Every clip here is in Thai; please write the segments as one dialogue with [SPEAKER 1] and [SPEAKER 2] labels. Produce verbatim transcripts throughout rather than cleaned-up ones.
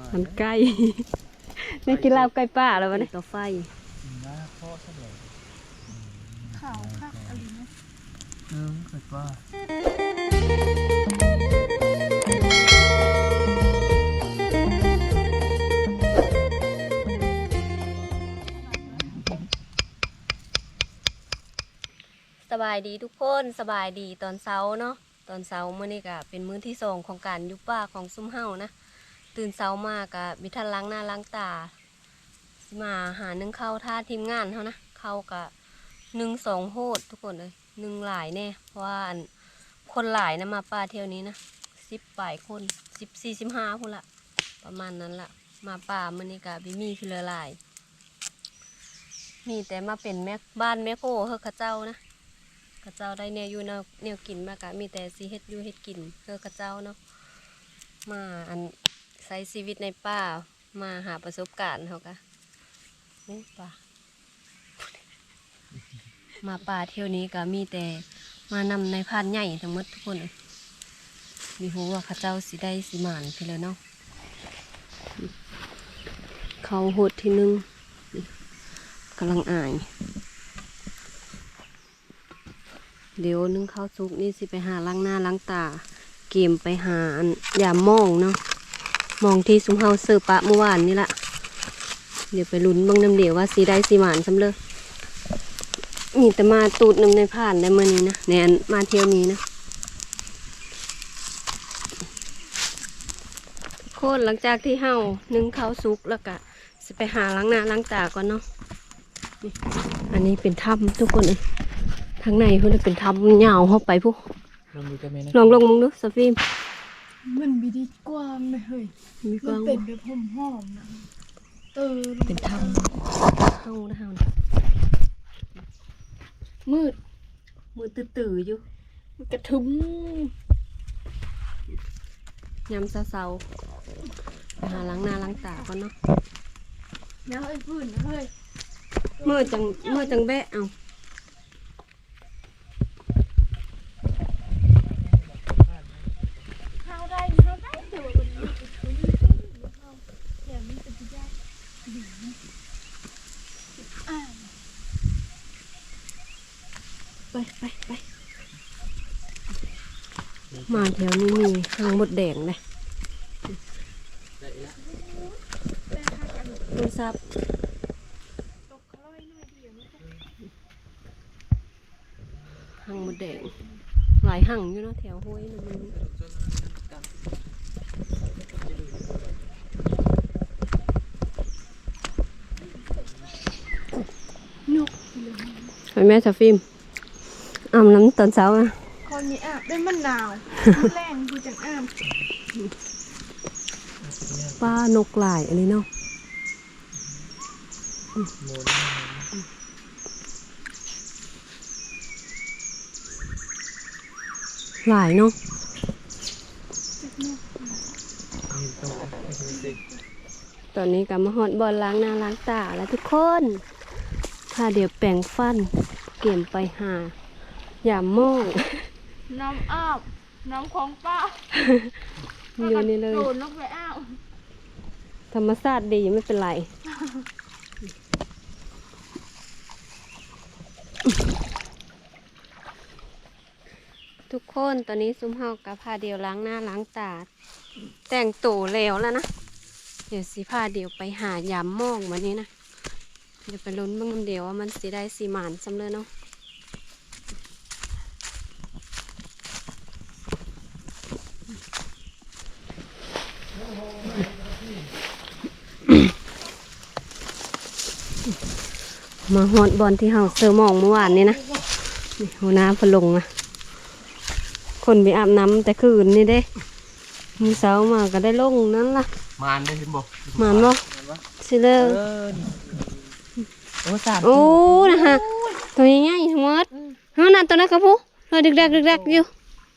[SPEAKER 1] มันใกล้นี่กินลาบใกล้ป้าแล้ววะเนี่ยต่อไฟ
[SPEAKER 2] ข่าวคักอะไรนะ
[SPEAKER 3] เออเคยป้า
[SPEAKER 1] สบายดีทุกคนสบายดีตอนเช้าเนาะตอนเช้าเมื่อนี้ก็เป็นมื้อที่สองของการยุบป้าของซุ้มเฮานะตื่นเช้ามากก็มีท่านล้างหน้าล้างตามาหานึ่งข้าวท่าทีมงานเขานะข้าวกะนึ่งสองโหดทุกคนเลยนึ่งหลายแน่เพราะว่าคนหลายนะมาป้าเที่ยวนี้นะสิบปลายคนสิบสี่สิบห้าพูดละประมาณนั้นละมาป่าเมื่อนี้กะบิมีคือละลายมีแต่มาเป็นแม่บ้านแม่โคเฮอข้าเจ้านะข้าเจ้าได้แนวอยู่แนวแนวกินมากะมีแต่ซีเฮ็ดอยู่เฮ็ดกินเฮอข้าเจ้าเนาะมาอันใช้ชีวิตในป่ามาหาประสบการณ์เขากะนี่ป่ามาป่าเที่ยวนี้ก็มีแต่มานำในพานใหญ่ทั้งหมดทุกคนเลยมีหัวว่าข้าเจ้าสิได้สิหมานไปเลยเนาะเขาหดที่นึงกำลังอายเดี๋ยวนึ่งข้าวซุกนี่สิไปหาล้างหน้าล้างตาเกมไปหาอันยามมองเนาะมองที่ซุ้มเฮาเสิร์ฟปะเมื่อวานนี่ละเดี๋ยวไปลุ้นบ้างน้ำเดี๋ยวว่าสีได้สีหมานสำเร็จมีแต่มาตูดน้ำในผ่านได้เมื่อนี้นะในอันมาเที่ยวนี้นะโคตรหลังจากที่เฮานึ่งข้าวซุกแล้วก็สิไปหาล้างหน้าล้างตาก่อนเนาะอันนี้เป็นถ้ำทุกคนเลยทางในเพื่อนเป็นถ้ำยาวเข้าไปพวกลองลงมึงดูสฟิล์ม
[SPEAKER 2] มันมีดีกว้างเลยเฮ้ยมันเป็นแบบหอมหอมนะเออ
[SPEAKER 1] เป็นถ้ำเข้านะเฮามืดมืดตื่นๆอยู่
[SPEAKER 2] มันกระทึม
[SPEAKER 1] ยำเศร้าๆไปหาล้างหน้าล้างตาก่อนเนาะ
[SPEAKER 2] แล้วไอ้พื้นนะเฮ้ย
[SPEAKER 1] เมื่อจังเมื่อจังแบะเอา
[SPEAKER 2] เข้าได้เข้าได้เดี๋ยวมันมีกระทึมเข้าเดี๋ยวมันจะได้ดีอ่า
[SPEAKER 1] ไปไปไปมาแถวนี้มีหางมดแดงเลยโทรศัพท์หางมดแดงหลายหางอยู่เนาะแถวห้วยนึงนกไปแม่สฟิล์มอาบน้ำตอนเช้าอ่ะ
[SPEAKER 2] คนนี้อาบได้มันหนาวแรงดูจังอาบ
[SPEAKER 1] ป้านกหลายอันนี้เนาะหลายเนาะตอนนี้ก็มาหอดบอลล้างหน้าล้างตาแล้วทุกคนถ้าเดี๋ยวแปรงฟันเกี่ยมไปหาอย่ามอง
[SPEAKER 2] น้ำอาบน้ำของป้า
[SPEAKER 1] อยู่นี่เลย
[SPEAKER 2] โดนลงไปอ้าว
[SPEAKER 1] ธรรมชาติดีไม่เป็นไรทุกคนตอนนี้ซุ้มเฮากับพาเดียวล้างหน้าล้างตาแต่งตัวแล้วแล้วนะเดี๋ยวสิพาเดียวไปหายามมองวันนี้นะเดี๋ยวไปลุ้นบ้างน้ำเดียวว่ามันสิได้สีหมานสำเร็จเนาะมาฮอดบอลที่เฮาเซอร์มองเมื่อวานนี้นะนี่หัวหน้าพลงนะคนไปอาบน้ำแต่คืนนี่เด้มีเสามาก็ได้ลงนั้นล่ะ
[SPEAKER 3] มานได้เห็นบ่
[SPEAKER 1] มานบ่สิเลอ
[SPEAKER 3] โอ้สาม
[SPEAKER 1] โอ้นะฮะตัวใหญ่ๆทั้งหมดเฮานั่นตัวนั้นก็ผู้เราดึกดักดึกดักอยู่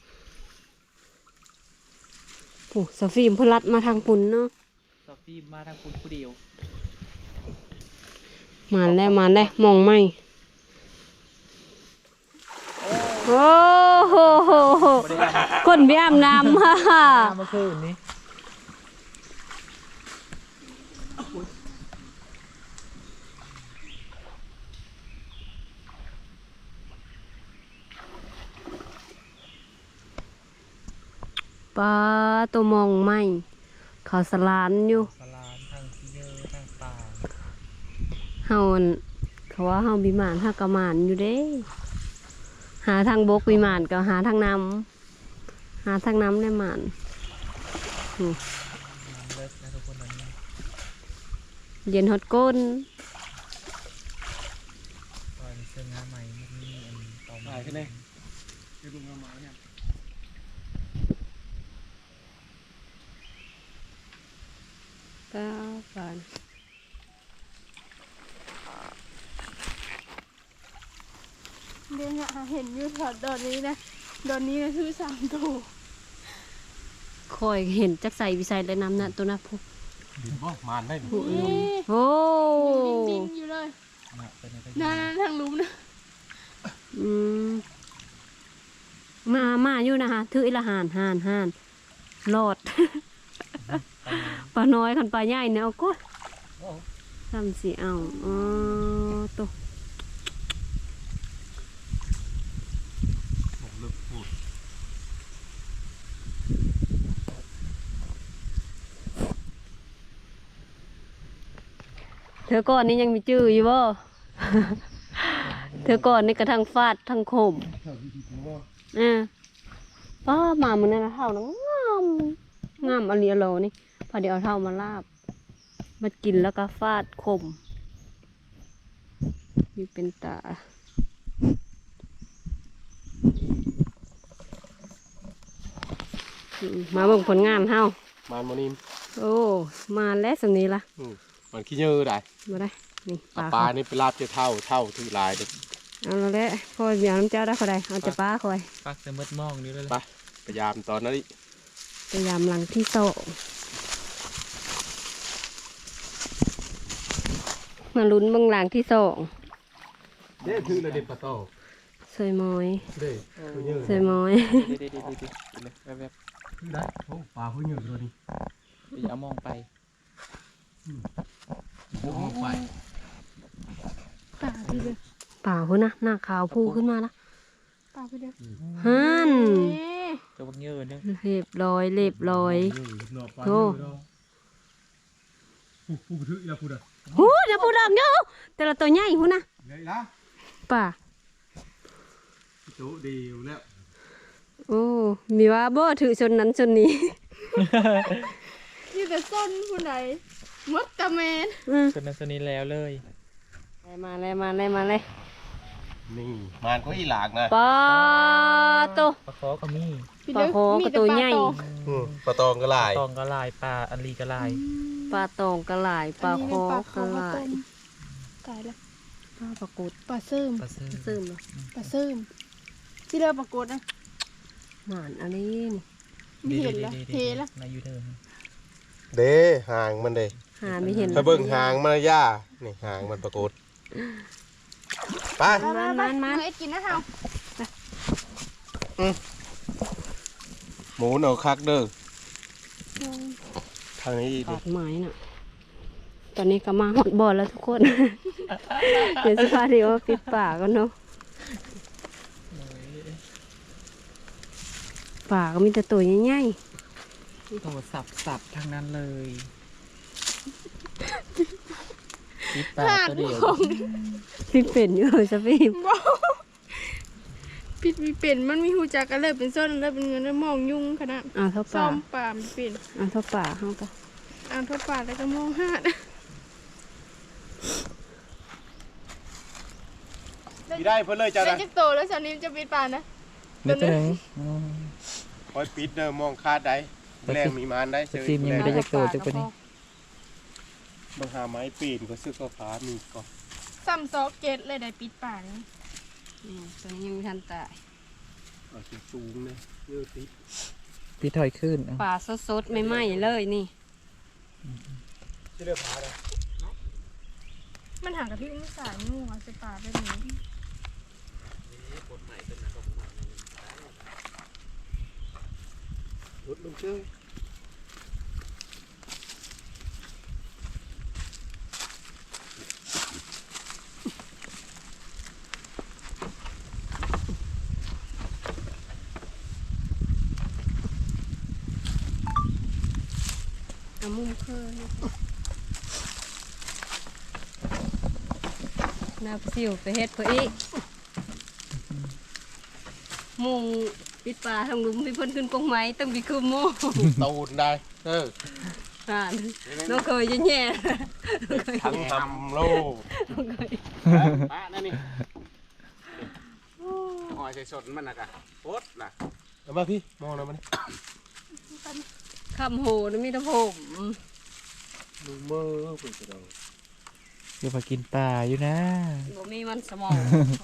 [SPEAKER 1] โอ้สฟิล์มพลัดมาทางปุ่นเนาะ
[SPEAKER 3] สฟิล์มมาทางปุ่นผู้เดียว
[SPEAKER 1] มาแล้วมาแล้วมองไม่โอ้โหคนไปอาบน้ำฮ่าฮ่า
[SPEAKER 3] เมื่อคืนนี้
[SPEAKER 1] ปลาตัวมองไหมเขาสลานอยู่
[SPEAKER 3] สลามทางที่เยอะทางป่า
[SPEAKER 1] เฮาอั่นเขาว่าเฮาบิมานเฮากะมานอยู่เด้ หาทางบกบิมานก็หาทางน้ำหาทางน้ำได้มานอืม
[SPEAKER 3] น้ำเลิศนะทุกคนนั้น
[SPEAKER 1] เย็นฮอดก้น
[SPEAKER 3] ตอนเสื้องาใหม่มันมีอันต่อมาขึ้นเลยคือลุงงาหมาเนี่ย
[SPEAKER 1] ก้าบาน
[SPEAKER 2] เดี๋ยวเนี่ยเห็นอยู่แถวดอนนี้นะดอนนี้นะคือสามตัว
[SPEAKER 1] คอยเห็นจักใส่วิสัยและน้ำน่ะตัวน่ะพุ
[SPEAKER 4] ดินบ่มานได้
[SPEAKER 1] ผู้
[SPEAKER 2] นี่
[SPEAKER 1] ลมโอ้
[SPEAKER 2] บินๆอยู่เลย
[SPEAKER 3] นะเป็นอะไร
[SPEAKER 2] นั่นๆทางหลุมนะ
[SPEAKER 1] อืมมามาอยู่นะคะถืออีละหานหานหานรอด ปลาน้อยคันปลาใหญ่เนี่ยเอาก็ทำสิเอาอ๋อตัว
[SPEAKER 4] ผมลึกพูด
[SPEAKER 1] เธอก่อนนี่ยังมีจื้ออยู่บ่ เธอก่อนนี่กระทั่งฟาดทั้งคมอ่าป้ามามันนั่นนะเท่านะงามงามอลีอโลนี่พอเดี๋ยวเอาเท่ามาลาบมากินแล้วก็ฟาดคมอยู่เป็นตาอืมมาเบิ่งผลงานเฮาม
[SPEAKER 4] านโมนิม
[SPEAKER 1] โอ้มาแล้วสำนี้ละ
[SPEAKER 4] อืมมันขี้เยอะได้
[SPEAKER 1] มาได้นี่ป
[SPEAKER 4] เอา
[SPEAKER 1] ลา
[SPEAKER 4] ปลา
[SPEAKER 1] เขา
[SPEAKER 4] นี่ไปลาบเจ้าเท่าเท่าถือลายเด้อ
[SPEAKER 1] เอาแล้วแหละพอเดี๋ยวน้ำเจ้าได้พอใดเอาจะปลาคอย
[SPEAKER 3] ปักจะมืดมองนี่เลย
[SPEAKER 4] ไปพยายามตอนนั้นดิ
[SPEAKER 1] พยายามหลังที่โซมาลุ้นเบางหลังที่สอง
[SPEAKER 4] เด้ถือเลยเด็ดปลาโต
[SPEAKER 1] สวยมอย
[SPEAKER 4] เด้ผู้เยอะ
[SPEAKER 1] สวยมอย
[SPEAKER 3] เดี๋ยวเดี๋ยวเดี๋ยวเดี๋ยวแบบ
[SPEAKER 4] ถือได้โอ้ปลาผู้เยอะตัวนี้
[SPEAKER 3] ๆอย่ามองไป
[SPEAKER 4] โอ้ไป
[SPEAKER 2] ป่าพี่เด้อ
[SPEAKER 1] ป่าพุ่นนะหน้าขาวพูขึ้นมาละ
[SPEAKER 2] ป่าพี่เด้อ
[SPEAKER 1] ฮัน
[SPEAKER 2] นี่
[SPEAKER 3] ตัวบักเยอะนึง
[SPEAKER 1] เรียบร้อยเรียบร้อย
[SPEAKER 4] หนอปลา
[SPEAKER 1] โอ้
[SPEAKER 4] เยอะเนาะผู้ผู้ถือแล้วผู้ใด
[SPEAKER 1] หูเดี๋ยวพูดดังเยอะแต่ละตัวใหญ่พุ่นนะ
[SPEAKER 4] เลยละ
[SPEAKER 1] ป่า
[SPEAKER 4] จุดีอยู่แล้ว
[SPEAKER 1] โอ้มีว่าบ่ถือชนนั้นชนนี้
[SPEAKER 2] นี่แต่ส้นผู้ใดมดตะแมน
[SPEAKER 1] อืม
[SPEAKER 3] ส่วนนั้นส่วนนี้แล้วเลย
[SPEAKER 1] มาเลยมาเลยมาเลย
[SPEAKER 4] นี่มานก็อีหลากนะ
[SPEAKER 1] ปลาโต
[SPEAKER 3] ปลาคอก็มี
[SPEAKER 2] พี่เด้อ
[SPEAKER 1] ปลาโห
[SPEAKER 2] มี
[SPEAKER 1] กับ
[SPEAKER 2] แต่
[SPEAKER 1] ตัว
[SPEAKER 2] ปลา
[SPEAKER 1] ใหญ่
[SPEAKER 2] โต
[SPEAKER 4] อืมปลาตองก็ลาย
[SPEAKER 3] ตองก็ลายปลาอันลีก็ลาย
[SPEAKER 1] ปลาตองกระหลายปลา
[SPEAKER 2] อัน
[SPEAKER 1] โค
[SPEAKER 2] นี้เป็นปลา
[SPEAKER 1] ก
[SPEAKER 2] ค
[SPEAKER 1] ระ
[SPEAKER 2] อ
[SPEAKER 1] ห
[SPEAKER 2] ข้าว
[SPEAKER 1] ลา
[SPEAKER 2] ต้
[SPEAKER 1] ย
[SPEAKER 2] มตายละ
[SPEAKER 1] ปลาปลากด
[SPEAKER 2] ปลาเสื่อม
[SPEAKER 3] ปลาซื้อ
[SPEAKER 1] ซึมเหรอ
[SPEAKER 2] ปลาเสื่อมที่เด้อปลากดนะ
[SPEAKER 1] หมานอันนี้นี่
[SPEAKER 2] ไม่เห็นละเทละ
[SPEAKER 3] นายยูเทิร์น
[SPEAKER 4] เด้หางมันเด้
[SPEAKER 1] หาไม่เห็น
[SPEAKER 4] ถ้าเบิ่งหางมันย่านี่หางมันปรากฏไป
[SPEAKER 1] มันมันมัน
[SPEAKER 2] เอ็ดกินนะเฮา
[SPEAKER 4] หมูเอาคักเด้อทางนี้ดิ
[SPEAKER 1] ปากไม้น่ะ ตอนนี้ก็มาหดบ่อแล้วทุกคน เดี๋ยวสภาพเดี๋ยวปิดปากกันเนาะปากก็มีแต่ตัวใหญ่
[SPEAKER 3] โตสับสับทางนั้นเลยปิดปลาตัวเดียว
[SPEAKER 1] ๆพี่เป็นอยู่สะพี่
[SPEAKER 2] ปิดมีเป็นมันมีหูจักกันเลยเป็นส้นแล้วเป็นเงินแล้วมองยุ่งขนาด
[SPEAKER 1] เอาเท่า
[SPEAKER 2] ซ้
[SPEAKER 1] ปา
[SPEAKER 2] อก มปลามันเป็น
[SPEAKER 1] เอาเท่าปากเข้าไป
[SPEAKER 2] อ่านทั่วปลาแล้วก็มองหาด
[SPEAKER 4] มีได้เพิ่นเลยจ้า
[SPEAKER 2] เป็น
[SPEAKER 4] นะ
[SPEAKER 2] จักโตแล้วสาวนี้จะปิดปลานะ
[SPEAKER 3] นี่ตัวหนึง
[SPEAKER 4] คอยปิดเด้อมองคาดได้แรงมีมานได้
[SPEAKER 3] สตรีมยังไม่ได้จะโตจักตัวนี้
[SPEAKER 4] บางหาไม้ปีนก็ซื้อก็ฟ้ามีก็
[SPEAKER 2] ซ้ำซอกเกตเลยได้ปิดปลานี่
[SPEAKER 1] อืมตัวนี้ยังไม่ทันตาย
[SPEAKER 4] เอาสิสูงเลยเยอะติ
[SPEAKER 3] พี่ถอยขึ้น
[SPEAKER 1] ปลาสดๆไม่ไหม้เลยนี่
[SPEAKER 4] ที่เลือกฟ้าเลย
[SPEAKER 2] มันห่างกับพี่อุ้มสายงูอ่ะจะปลาแบบนี้
[SPEAKER 4] รถลงเชื่อ
[SPEAKER 1] เอามุ้งเพิ่มน้ำซิวไปเฮ็ดเพื่ออีกมุ้งปิดปลาทางหลุมมีเพิ่นขึ้นกงไม้ต้องมีคือโม่
[SPEAKER 4] ตูนได้เออ
[SPEAKER 1] อ่านน้องเคยแย่ๆ
[SPEAKER 4] ทั้งทำโลก
[SPEAKER 1] น้องเคย
[SPEAKER 4] ป้านั่นนี่หอยใส่สดมันนะกะโอ๊ตนะเอามาพี่มองนะมัน
[SPEAKER 1] คำโหนมีแต่ผม
[SPEAKER 4] ดูมือเปิดกระดอง
[SPEAKER 3] อย่ามากินปลาอยู่นะ
[SPEAKER 1] บ่มีมันสมอง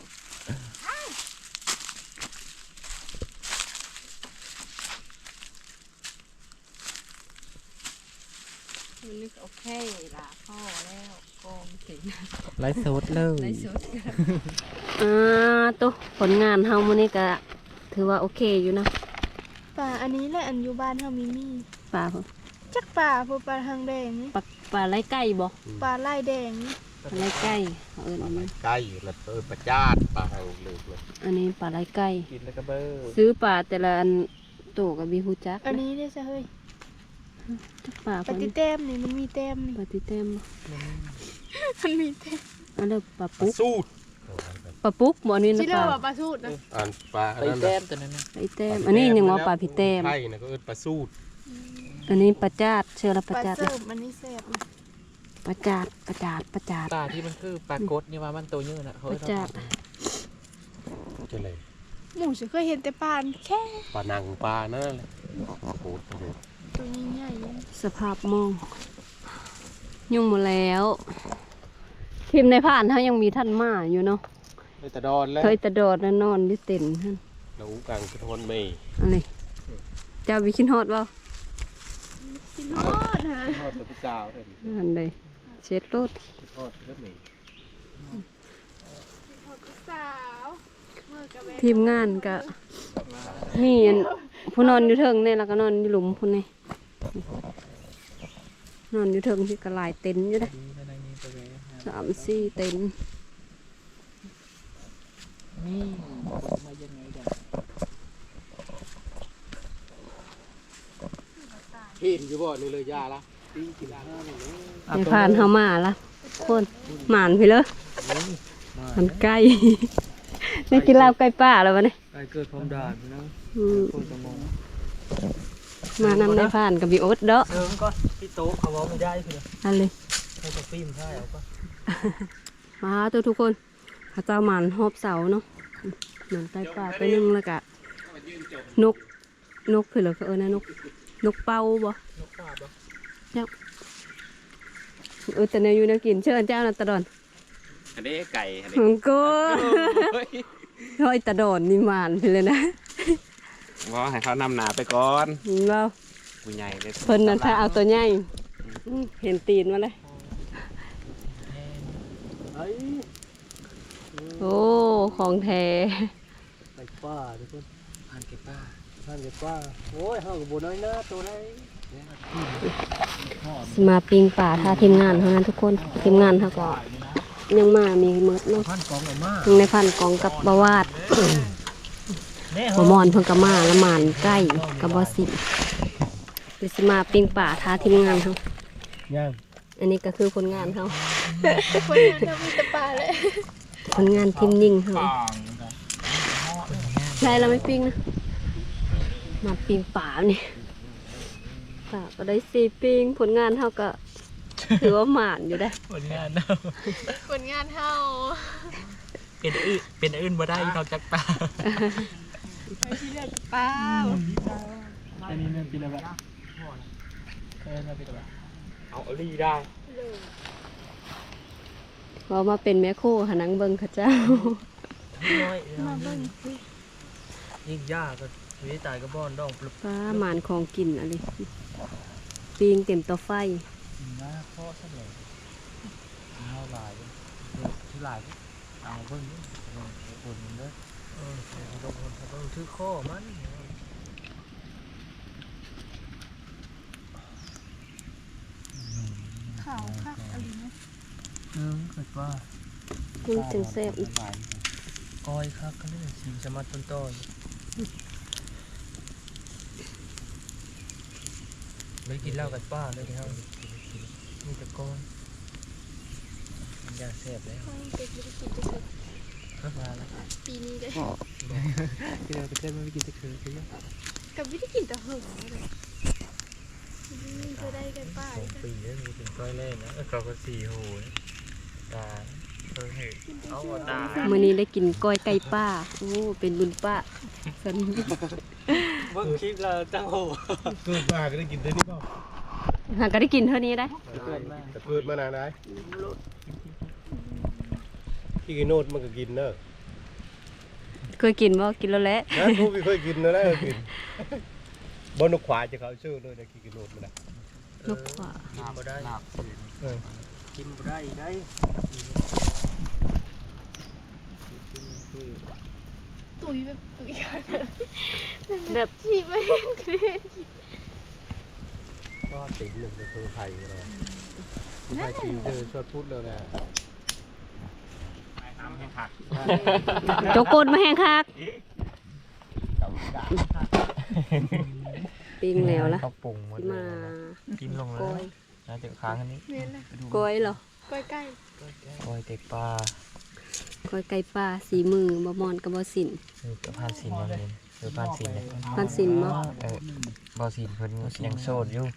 [SPEAKER 1] มันนึกโอเคล่ะพ่อแล้วกองสิง
[SPEAKER 3] ไลฟ์สดเลย
[SPEAKER 1] ในสุดอ่าตุ๊ผลงานเฮามื้อนี้ก็ถือว่าโอเคอยู่นะ
[SPEAKER 2] ป่าอันนี้แหละอันอยู่บ้านเฮามีมี
[SPEAKER 1] ปลาเพิ่น
[SPEAKER 2] จักป่าพวกปลาทางแดงนี่
[SPEAKER 1] ปลาปลาไหลไก่บ่
[SPEAKER 2] ปลาไล่แดงนี่
[SPEAKER 1] ปลาไหลไก่เอาเอิ้นอันนี้
[SPEAKER 4] ใกล้แล้วเออประจาดปลาหางเหลือกเลย
[SPEAKER 1] อันนี้ปลาไหลไก่
[SPEAKER 3] กินแล้วก็เบอร์
[SPEAKER 1] ซื้อปลาแต่ละอันโตก็มีฮู้จัก
[SPEAKER 2] อันนี้ได้ซะเฮ้ย
[SPEAKER 1] จักปลา
[SPEAKER 2] ป
[SPEAKER 1] เพิ่
[SPEAKER 2] ฏิ
[SPEAKER 1] น
[SPEAKER 2] แต้มนี่มันมีแต้มนี่
[SPEAKER 1] ปลาติเต็ม
[SPEAKER 2] มันมีแต้ม
[SPEAKER 1] อันนี้ปลา
[SPEAKER 4] ปลา
[SPEAKER 1] ปุ๊ก
[SPEAKER 4] สูด
[SPEAKER 1] ปลาปุ๊กบ่อันนี้นะ
[SPEAKER 2] ที่
[SPEAKER 1] ป
[SPEAKER 2] เรา
[SPEAKER 1] ลา
[SPEAKER 2] ว่าปลาสูตรนะ
[SPEAKER 4] อ่านปลา
[SPEAKER 3] ไป
[SPEAKER 4] อันนั้น
[SPEAKER 3] แต้
[SPEAKER 4] นะ
[SPEAKER 3] มตัวนั้นนะ
[SPEAKER 1] ไอ้แต้มอันนี้ยังว่าปลาผิดแต้ม
[SPEAKER 4] ไทยนะก็เอิ้นปลาสูด
[SPEAKER 1] อันนี้ปลาจาดเชื่อละป
[SPEAKER 2] ป
[SPEAKER 1] ลา
[SPEAKER 2] ลา
[SPEAKER 1] จาด
[SPEAKER 2] เสิร์ฟอันนี้แซ่บนะ
[SPEAKER 1] ปลาจาดปลาจาดปลาจาด
[SPEAKER 3] ปลาที่มันคือปลากดนี่ว่ามันตัวเยอะนะเฮ้ย
[SPEAKER 1] ประจักษ์
[SPEAKER 4] จะเลย
[SPEAKER 2] หมูฉันเคยเห็นแต่ปลาแค่
[SPEAKER 4] ปลานังปลานั่นแหละโอ้โหโอ้โห
[SPEAKER 2] ตัวใหญ่ๆนี่
[SPEAKER 1] สภาพมอง ยุ่งหมดแล้วทีมในผ่านเขายังมีท่านมาอยู่เนาะ
[SPEAKER 4] เลยตะดอนแล้ว
[SPEAKER 1] เคยตะโดดนะนอนที่เต็นท์หั่น
[SPEAKER 4] เรากลางกระทนไม่
[SPEAKER 1] อะไรเจ้าวิคินฮอดเปล่า
[SPEAKER 2] กินฮอดฮะ
[SPEAKER 4] ทอดกับพระเจ้าเลย
[SPEAKER 1] อันใดเช็ดรถ
[SPEAKER 4] ทอดกับไม่
[SPEAKER 2] สาวเมื่อกะแวะ
[SPEAKER 1] ทีมงานก็มีอันผู้นอนอยู่เทิงเนี่ยแล้วก็นอนอยู่หลุมผู้นี่นอนอยู่เทิงที่กระลายเต็นท์อยู่เด้อ
[SPEAKER 3] ดีนะในนี้ไปเลย
[SPEAKER 1] สามสี่เต็นท์
[SPEAKER 3] นี่มายังไงเดี๋ยว
[SPEAKER 4] กินอยู่บ่นี่เลยยาละตีกินยาละนี่เลย
[SPEAKER 1] ในผ่านเขามาละคนหมานไปเลยมันใกล้ นี่กินลาบใกล้ป่าแล้ววะเนี่ย
[SPEAKER 3] ไอ้เกิดความด่านะ
[SPEAKER 1] อืม
[SPEAKER 3] คนสมอง
[SPEAKER 1] มานำในผ่านกับบีโอ๊ตเด้อ
[SPEAKER 3] เดิมก็พี่โต๊ะเขาบอกไม่ได้คือ
[SPEAKER 1] อันเลย
[SPEAKER 3] เขาจะฟิล์มใช่เอาปะ
[SPEAKER 1] มาตัวทุกคนพระเจ้าหมันหอบเสาเนาะหมันใต้ป่าไปนึ่งแล้วก็นกนกคือเหรอเออนะนกนกเป่าบ่
[SPEAKER 3] นกปลาปะ
[SPEAKER 1] เออแต่เนยอยู่แนวกินเชิญเจ้านะตะดอน
[SPEAKER 4] อันนี้ไก่อันนี้
[SPEAKER 1] ของกูร้อยตะดอนนี่หมานไปเลยนะ
[SPEAKER 4] ว่าให้เขานำหนาไปก่อน
[SPEAKER 1] เห็นบ่
[SPEAKER 4] ผู้ใหญ่เลย
[SPEAKER 1] เพิ่นนั่นถ้าเอาตัวใหญ่อืมเห็นตีนมาเลย
[SPEAKER 4] ไอ้
[SPEAKER 1] โอ้ของแท้
[SPEAKER 4] ไก่ป้าทุกคน
[SPEAKER 3] ผ่านเก็บป้า
[SPEAKER 4] ท่านไก่ป้าโอ้ยห้างกับบัวน้อยหน้าตัวไหน
[SPEAKER 1] สิมาปิงป่าท่าทีมงานเท่านั้นทุกคนทีมงานเขาก็ยังมามีเมิดเนาะ
[SPEAKER 3] พันกองออกมา
[SPEAKER 1] ยังในพันกองกับบาวาด
[SPEAKER 3] แน่
[SPEAKER 1] หัวมอนเพิ่งกะมาละหมานใกล้กับบอสิเดี๋ยวสิมาปิงป่าท่าทีมงานเขา
[SPEAKER 3] ย่าง
[SPEAKER 1] อันนี้ก็คือผลงานเขา
[SPEAKER 2] คนงานจะมีแต่ปลาเลย
[SPEAKER 1] ผลงานทีมยิงเขาใช่เราไม่ปิงนะมาปิงป่านี่ป่าก็ได้สี่ปิงผลงานเขาก็ถือว่าหมานอยู่ได้
[SPEAKER 3] ผลงานเนาะ
[SPEAKER 2] คนงานเท่า
[SPEAKER 3] เป็นอื่นเป็นอื่นมาได้นอกจากปลา
[SPEAKER 2] ไปที่เรียกปลา
[SPEAKER 3] อันนี้เนี่ยเป็นอะไรเออเป็นอะไรเอาลีได้
[SPEAKER 1] เพราะมาเป็นแม่โคหานังเบิงเข้าเจ้า
[SPEAKER 3] น้อยยิ่งยากก็วิตายก็บ้อนดองปลุก
[SPEAKER 1] ป้าหมานของกินอะไรปิงเต็มเตาไฟ
[SPEAKER 3] หน้าข้อสักเลยเอาลายที่ลายเอาเบิ้งคนเด้อเออเราคนเขาต้องถือข้อมัน
[SPEAKER 2] ขาวค่ะอะไรนะ
[SPEAKER 3] เออเกิดว่า
[SPEAKER 1] มันจังแซ่บอีก
[SPEAKER 3] ก้อยครับก็นี่สีสมัดต้นต้นไม่กินเหล้ากันป้าเลยที่เขามีแต่ก้อนมันยาแซ่บแล้ว
[SPEAKER 2] ห้องเป็ดไม่ได้กินจะคือ
[SPEAKER 3] มาแล้ว
[SPEAKER 2] ปีนี้เลย
[SPEAKER 3] ที่เราไปเต้นไม่กินตะคือใช่ไหม
[SPEAKER 2] กับไม่ได้กินแต่เหิงเลยนี่จะได้กันป้า
[SPEAKER 3] สองปีแล้วมีถึงก้อยเล่นนะเขาก็สี่โหยตาเออเห็นเอาตา
[SPEAKER 1] มื้อนี้ได้กินก้อยไก่ป้าโอ้เป็นบุญป้าสัน
[SPEAKER 3] เบิ่งคลิปเราตั้งโห
[SPEAKER 4] เกิดมาก็ได้กินได้นี่เปล่า
[SPEAKER 1] หาก็ได้กินเท่านี้ได้
[SPEAKER 3] เกิดมา
[SPEAKER 4] แต่เกิดมานานได้พี่กินโนดมันก็กินเนอะ
[SPEAKER 1] เคยกินบ่กินแล้วแหละ
[SPEAKER 4] นะกูไม่เคยกินนะได้กินบนนกขวาจะเขาชื่อเลยนะกินโนดมันนะ
[SPEAKER 1] นกขวา
[SPEAKER 3] กินบ่ได้กินบ่ได้ได้
[SPEAKER 2] ตุยแบบตุยกัน
[SPEAKER 1] แบบ
[SPEAKER 2] ฉีบไม่เห็นเครียด
[SPEAKER 4] ก็ติ่งหนึ่งจะคือไทยเลยไทยจีนคือชดพูดเลยนะ
[SPEAKER 1] โจกกนมาแห้งคักปิ้งแล้วล่ะ
[SPEAKER 3] เขาปรุงหมดเล
[SPEAKER 1] มาย
[SPEAKER 3] กินลงแล้
[SPEAKER 1] ก้
[SPEAKER 3] ว
[SPEAKER 1] อย
[SPEAKER 3] น่าจะค้างอันนี้
[SPEAKER 2] เมียนนะ
[SPEAKER 1] ก้อยเหรอ
[SPEAKER 2] ก้อยใกล้
[SPEAKER 3] ก้อยเต็กปลา
[SPEAKER 1] ก้อยไก่ป้าสีมือบ่มอนกับบ่สิน
[SPEAKER 3] เออกับพานสินมาเลยเออพานสินเลย
[SPEAKER 1] พานสินบ่
[SPEAKER 3] เออบ่สินเพิ่นยังโสดอยู่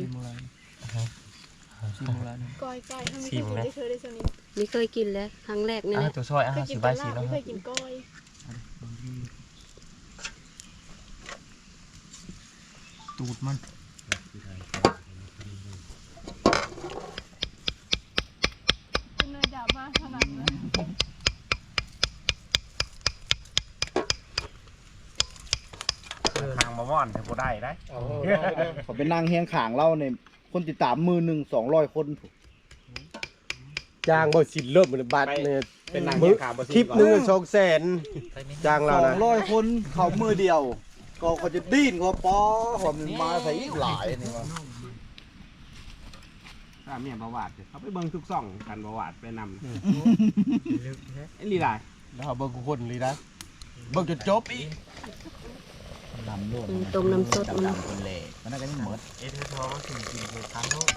[SPEAKER 2] ก้อยใกล้ถ้าไม่เคยกินได้เคยได้สนิท
[SPEAKER 1] ไม่เคยกินแล้วครั้งแรกนี่
[SPEAKER 3] อ่ะ
[SPEAKER 1] แหละ
[SPEAKER 3] ตัวซอยอ่ะ
[SPEAKER 2] เคยกิ
[SPEAKER 3] สิ
[SPEAKER 2] น
[SPEAKER 3] บา
[SPEAKER 2] ป
[SPEAKER 3] ย
[SPEAKER 2] ลา
[SPEAKER 3] สิแล้ว
[SPEAKER 2] ไม่
[SPEAKER 3] ค
[SPEAKER 2] เค
[SPEAKER 3] รั
[SPEAKER 2] ยกินก้อย
[SPEAKER 3] ตูดมัน
[SPEAKER 2] เป็นเนยดาบมากขนาดนั้น
[SPEAKER 5] ทางมาว่อนถึงบ่ได้ได้
[SPEAKER 4] เอา
[SPEAKER 5] ผมเป็นนางเฮียงขางเล่าเนี่ยคนติดตามมือหนึ่งสองร้อยคน
[SPEAKER 4] จ้างบ่สินเริ่มเป็นบัตรเนี่ย
[SPEAKER 5] เป็นนางเฮียงขางบ่สิ
[SPEAKER 4] คลิปหนึ่งสองแสนจ้าง
[SPEAKER 5] ส
[SPEAKER 4] เรา
[SPEAKER 5] อง
[SPEAKER 4] นะ
[SPEAKER 5] ร้อยคนเขามือเดียว ก็เขาจะดิ้นเขาป้อผมมาใส่อีกหลายนี่ว่า
[SPEAKER 6] ถ้าเมียประวัติเขาไปเบิ่งทุกซ่องกันประวัติไปนำ
[SPEAKER 3] ลึกแท้
[SPEAKER 6] ไอ้ลีลาย
[SPEAKER 4] แล้วเบิ่งคนเลยนะเบิ่งจนจบอีก
[SPEAKER 5] นำลูก
[SPEAKER 1] อืมต้มน้ำสดมัน
[SPEAKER 5] ดำคนเล่มันน่าจะไม่หมด
[SPEAKER 3] เอ็ดคือทอว่าถึงกินไปครั้งโลก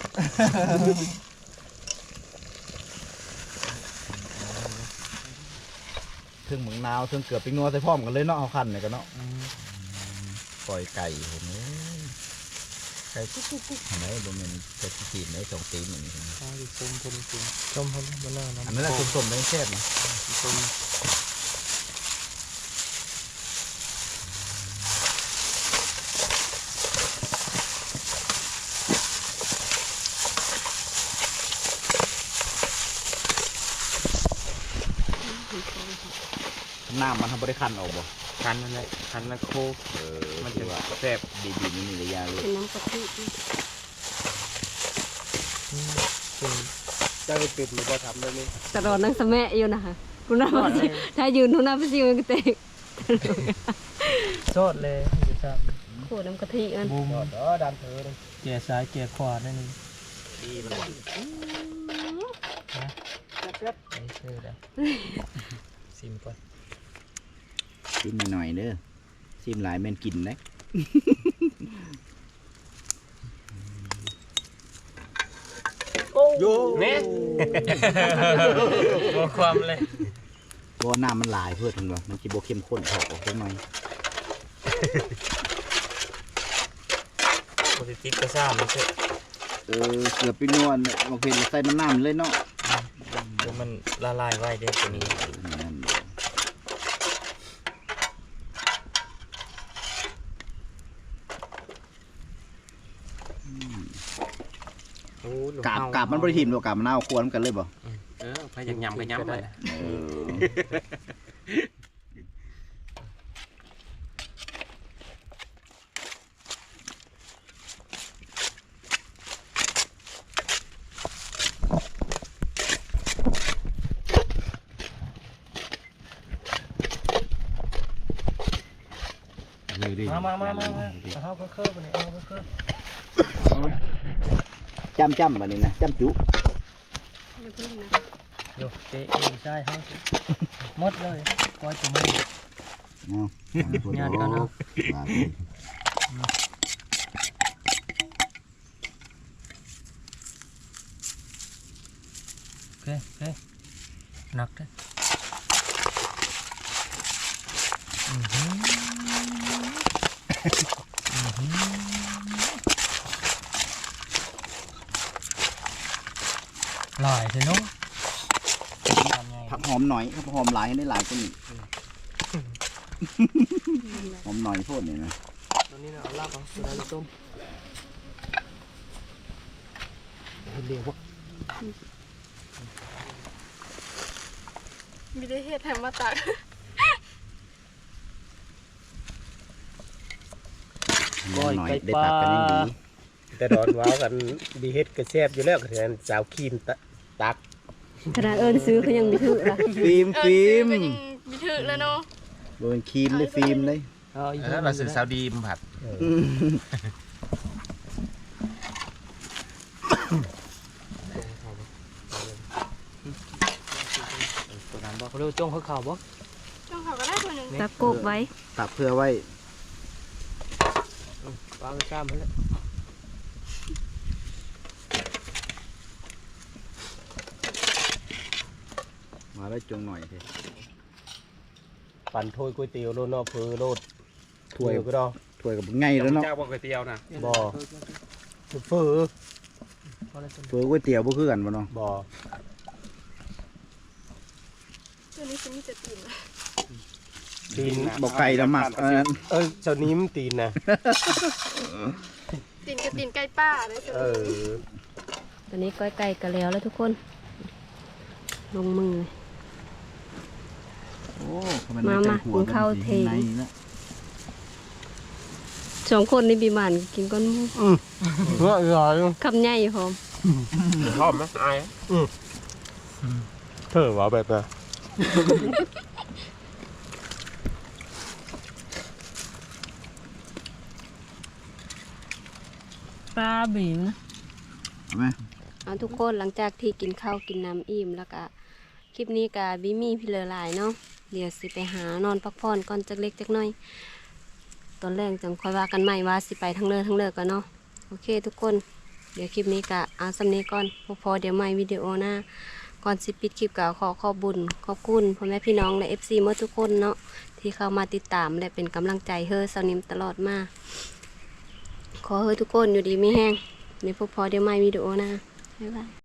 [SPEAKER 5] ถึงหมึงนาวถึงเกือบไปงัวใส่พร้อมกันเลยเนาะเอาคันเนี่ยกันเนาะปล่อยไก่เห็นไหมไก่กุ๊กกุ๊กกุ๊กเห็นไหมบนมันจะตีนไหมสองตีนอย่างนี้
[SPEAKER 3] ข้าวส้มส้มส้มส้มพอดีมันน่าน้ำ
[SPEAKER 5] อันนั้นแหละส้มๆแดงแซ่บนะ
[SPEAKER 3] ส้ม
[SPEAKER 5] น้ำมันทำบริคันออกบ่
[SPEAKER 6] คันนั่นแหละคันละโค
[SPEAKER 5] เออ
[SPEAKER 6] มัน
[SPEAKER 5] ถื
[SPEAKER 6] จะ
[SPEAKER 5] อว่า
[SPEAKER 6] แซ่บ
[SPEAKER 5] ดีๆนี่มีระยะเลย
[SPEAKER 1] เป็นน้ำกะทิ
[SPEAKER 3] เป็น
[SPEAKER 4] จ้างให้ปิดมันก็ทำได้นี่
[SPEAKER 1] ตลอดนั่งสะแม่อยู่นะคะคุณน้าไปสิถ้ายืนทุนน้าไปสิมันก็เตก
[SPEAKER 3] โซดเลยจะจับ
[SPEAKER 1] โขน้ำกะทิอัน
[SPEAKER 3] บูม
[SPEAKER 4] ยอดเด้อดันเธอเลย
[SPEAKER 3] เกียร์ซ้ายเกียร์ขวาได้นี่
[SPEAKER 6] ดีมัน
[SPEAKER 3] ไอ้เชื่อแล้วซิมก่อน
[SPEAKER 5] ชิมหน่อยๆเด้อชิมหลายแม่นกินนะ
[SPEAKER 4] โย่
[SPEAKER 6] เนี่ย
[SPEAKER 3] ตัวความเลย
[SPEAKER 5] บ่น้ำมันหลายเพื่อถึงว่ามันสิบ่เข้มข้นเท่าออกจังหน่อย
[SPEAKER 3] โปรติดกระซ่ามันเชื่อ
[SPEAKER 5] เออเกือบไปนวลบางเพลใส่น้ำน้ำเลยเนาะ
[SPEAKER 3] เดี๋ยวมันละลายไว้เด้ตัวนี้
[SPEAKER 5] นั่น
[SPEAKER 6] โอ้
[SPEAKER 5] กาบกาบมันบริถิ่มตัวกาบมันเอาควรกันเลยบ่
[SPEAKER 6] เออพยายามไปย้ำเลย
[SPEAKER 5] เออเลยดิ
[SPEAKER 3] มามามามามาเอาเพิ่มไปเลยเอาเพิ่ม
[SPEAKER 5] จำจำแบบนี้นะจำจุ
[SPEAKER 3] โยเจ๊เองใช่เขาหมดเลยก้อยจะไม่
[SPEAKER 5] เนาะ
[SPEAKER 3] งานกันเนาะ
[SPEAKER 5] ว่าไป
[SPEAKER 3] เคโอเคหนักเด้ออือหืออือหือหลายเถอะเนาะ
[SPEAKER 5] ผักหอมหน่อยผักหอมหลายให้ได้หลายกว่านี้หอมหน่อยโทษเนี่ยนะ
[SPEAKER 3] ตอนนี้เราเอาลาบเอาสุดาลูกต้มเดี๋ยววะ
[SPEAKER 2] มีได้เฮ็ดแถมมาตัก
[SPEAKER 5] หอมหน่อยได้ตักกันยังดี
[SPEAKER 4] แต่ดอนว้าวกันดีเฮ็ดกระแซบอยู่แล้วก็แทนสาวครีมตะตัก
[SPEAKER 1] ขนาดเอิ้นซื้อเขายังมีถือละ
[SPEAKER 5] ฟิล์มฟิล์ม
[SPEAKER 2] เออซื้อก็ยังมีถึกแล้วเนาะ
[SPEAKER 5] โดนครีมเลยฟิล์มเลย
[SPEAKER 3] เอาอีก
[SPEAKER 6] แล้วเราซื้อซาวดีมผัด
[SPEAKER 3] ตัวนั้นบอกเขาเรียกว่าจ้องเขาข่าวบ่
[SPEAKER 2] ช่องเขาก็ได้ตัวหนึง
[SPEAKER 1] ตักโกกไว้
[SPEAKER 5] ตักเพื่อไว้
[SPEAKER 3] วางข้ามไปแล้ว
[SPEAKER 5] มาได้จงหน่อยเถอะ
[SPEAKER 4] ปั่นถ้วยก๋วยเตี๋ยวโลดเนาะเพื่อโลด
[SPEAKER 5] ถ้วย
[SPEAKER 4] เดี๋ก็ได้
[SPEAKER 5] ถ้วยกับง่ายแล้วเนาะ
[SPEAKER 6] เจ้าบอกก๋วยเตี๋ยวนะ
[SPEAKER 4] บ่ เฟือ
[SPEAKER 3] พอแล้วตัว
[SPEAKER 5] เฟือก๋วยเตี๋ยวบ่คือกันบ่เนาะ
[SPEAKER 4] บ่
[SPEAKER 2] ตัวนี้จะมีแต่ตีน
[SPEAKER 4] ตีน
[SPEAKER 5] บ่ไก่ละหมักอันนั้น
[SPEAKER 4] เอ้ยเจ้านี้มันตีนนะ
[SPEAKER 2] ตีนกับตีนไก่ป้าเลย
[SPEAKER 4] เออ
[SPEAKER 1] ตอนนี้ก้อยไก่กันแล้วแล้วทุกคน ลงมือเลย
[SPEAKER 5] โอ้
[SPEAKER 1] มามากินข้าวเท
[SPEAKER 5] ในนี่ละ
[SPEAKER 1] สองคนในบีมานกินก้อนหมู
[SPEAKER 4] เฮ้ยอร่อย
[SPEAKER 1] คำใหญ่พร้อม
[SPEAKER 6] ชอบไหมอาย
[SPEAKER 4] เธอว่าแบบน่ะ
[SPEAKER 1] ปลาบีมนะ
[SPEAKER 5] เอาไหม
[SPEAKER 1] เอาทุกคนหลังจากที่กินข้าวกินน้ำอิ่มแล้วก็คลิปนี้กับบิมี่พี่เลอหลายเนาะเดี๋ยวสิไปหานอนพักผ่อนก่อนจักเล็กจักน้อย ตอนแรกจังค่อยว่ากันใหม่ว่าสิไปทั้งเลิกทั้งเลิกกันเนาะโอเคทุกคนเดี๋ยวคลิปนี้กะเอาสำเนีก่อนพอพอเดี๋ยวใหม่วิดีโอหน้าก่อนสิปิดคลิปกะขอขอบบุญขอบคุณพ่อแม่พี่น้องและ เอฟ ซี เมื่อทุกคนเนาะที่เข้ามาติดตามและเป็นกำลังใจเฮ้อสาวนิมตลอดมาขอเฮ้อทุกคนอยู่ดีไม่แห้งในพอพอเดี๋ยวใหม่วิดีโอหน้าบ๊ายบาย